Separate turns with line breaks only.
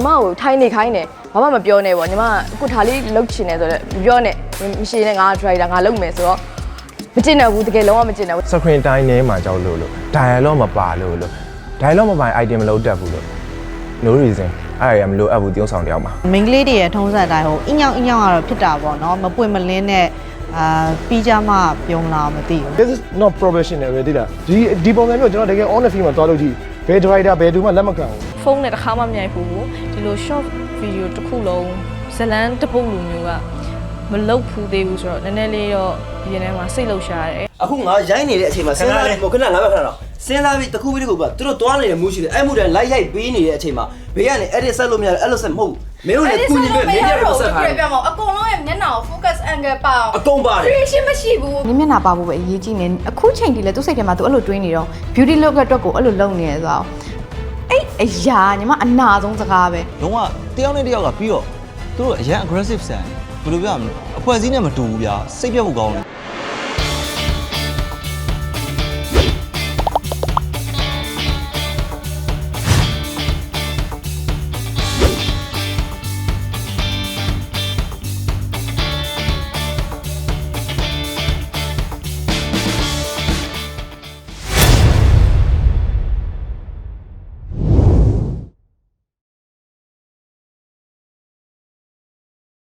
မကိုထိုင်နေခိုင်းတယ်ဘာမှမပြောနဲ့ပေါ့ညီမအခုဒါလေးလှုပ်ချင်တယ်ဆိုတော့မပြောနဲ့မရှိနဲ့ငါ driver ငါလုပ်မယ်ဆိုတော့မကျင်တော့ဘူးတကယ်လုံးဝမကျင်တော့ဘူး
screen time ထဲမှာကြောက်လို့ dialogue မပါလို့ dialogue မပါ item မလုပ်တတ်ဘူးလို့ no reason အဲ့ဒါမလို့အပ်ဘူးတင်းဆောင်တယောက်မှာ
မိန်းကလေးတွေရဲ့ထုံးစံတိုင်းဟိုအင်းညောင်းကတော့ဖြစ်တာပေါ့နော်မပွင့်မလင်းနဲ့ပြီးကြမှပြုံးလာမသိဘူး
This is not professional ပဲတိလားဒီပုံစံမျိုးကျွန်တော်တကယ် on the field မှာသွားလို့ကြည့်ဘယ် driver ဘယ်သူမှလက်မခံဘူး
ဖုန်းနဲ့တစ်ခါမှမမြိုက်ဘူးဒီလို short video တစ်ခုလုံးဇလန်းတစ်ပုတ်လူမျိုးကမလုတ်ဖူးသေးဘူးဆိုတော့နည်းနည်းလေးတော့ဒီထဲမှာစိတ်လှုပ်ရှားတယ်
အခုငါရိုက်နေတဲ့အချိန်မှာစဉ်းစားပြီးခဏငါပဲခဏတော့စဉ်းစားပြီးတစ်ခုပြီးတစ်ခုကသူတို့တွားနေတဲ့မူးရှိတယ်အဲ့မူတိုင်းလိုက်ရိုက်ပေးနေတဲ့အချိန်မှာဘေးကနေ edit ဆက်လို့မရတယ်အဲ့လိုဆက်မဟုတ်ဘူးမင်းတို့လည်းကုညီပဲမင်းတို့လည်းဆက်ထားတယ်
ပြမအောင်အကုန်လုံးရဲ့မျက်နှာကို focus angle ပါအောင်
အကုန်ပါတယ်
creation မရှိဘူး
နင်းမျက်နှာပါဖို့ပဲအရေးကြီးနေအခုချိန်ဒီလေသူ့စိတ်ထဲမှာသူအဲ့လိုတွေးနေတော့ beauty look အတွက်ကိုအဲ့လိုလုပ်နေရဆိုတော့အဲ့အရာညီမအနာဆုံးစကားပဲ
လုံးဝတယောက်နဲ့တယောက်ကပြီးတော့သူတို့အရန် aggressive ဆန်ဘယ်လိုပြောရမလဲအဖွဲ့အစည်းနဲ့မတူဘူးဗျာစိတ်ပြတ်ဖို့ကောင်းတယ်